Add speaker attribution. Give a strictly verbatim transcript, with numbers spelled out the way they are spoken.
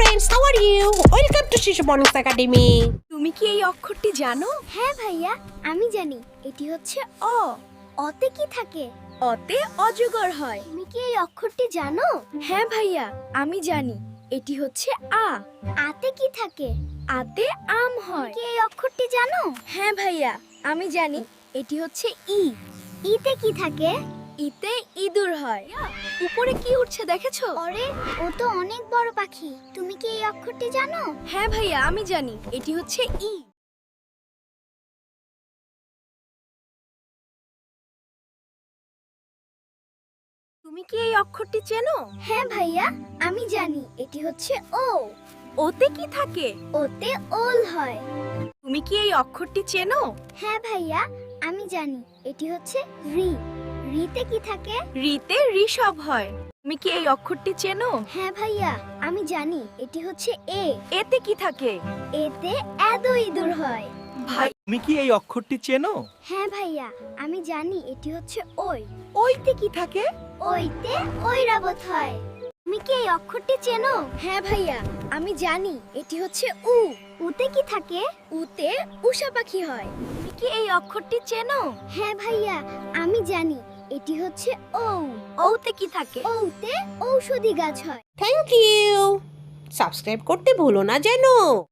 Speaker 1: friends, how are you? Welcome to Shishu Mornings Academy.
Speaker 2: তুমি কি এই অক্ষরটি জানো?
Speaker 3: হ্যাঁ ভাইয়া, আমি জানি এটি হচ্ছে অ। অতে কি থাকে?
Speaker 2: অতে অজগর হয়।
Speaker 3: তুমি কি এই অক্ষরটি জানো?
Speaker 2: হ্যাঁ ভাইয়া, আমি জানি এটি হচ্ছে আ।
Speaker 3: আতে কি থাকে?
Speaker 2: আতে আম হয়।
Speaker 3: কি এই অক্ষরটি জানো?
Speaker 2: হ্যাঁ ভাইয়া, আমি জানি এটি হচ্ছে ই।
Speaker 3: ইতে কি থাকে?
Speaker 2: ইতে ইঁদুর হয়। উপরে কি উঠছে দেখেছো?
Speaker 3: আরে, ও তো অনেক বড় পাখি। তুমি কি এই অক্ষরটি জানো?
Speaker 2: হ্যাঁ ভাইয়া, আমি জানি এটি হচ্ছে ই। তুমি কি এই অক্ষরটি চেনো?
Speaker 3: হ্যাঁ ভাইয়া, আমি জানি এটি হচ্ছে ও।
Speaker 2: ওতে কি থাকে?
Speaker 3: ওতে ওল হয়।
Speaker 2: তুমি কি এই অক্ষরটি চেনো?
Speaker 3: হ্যাঁ ভাইয়া, আমি জানি এটি হচ্ছে রি। রিতে কি থাকে?
Speaker 2: রিতে ঋষভ হয়। তুমি কি এই অক্ষরটি চেনো?
Speaker 3: হ্যাঁ ভাইয়া, আমি জানি এটি হচ্ছে এ।
Speaker 2: এতে কি থাকে?
Speaker 3: এতে এদ ইঁদুর হয়।
Speaker 2: ভাই,
Speaker 4: তুমি কি এই অক্ষরটি চেনো?
Speaker 3: হ্যাঁ ভাইয়া, আমি জানি এটি হচ্ছে ওই।
Speaker 2: ওইতে কি থাকে?
Speaker 3: ওইতে ঐরাবত হয়। তুমি কি এই অক্ষরটি চেনো?
Speaker 2: হ্যাঁ ভাইয়া, আমি জানি এটি হচ্ছে উ।
Speaker 3: উতে কি থাকে?
Speaker 2: উতে উষা পাখি হয়। তুমি কি এই অক্ষরটি চেনো?
Speaker 3: হ্যাঁ ভাইয়া, আমি জানি এটি হচ্ছে ঔ।
Speaker 2: ওতে কি থাকে?
Speaker 3: ঔতে ঔষধি গাছ হয়।
Speaker 1: Thank you. Subscribe করতে ভুলো না যেন।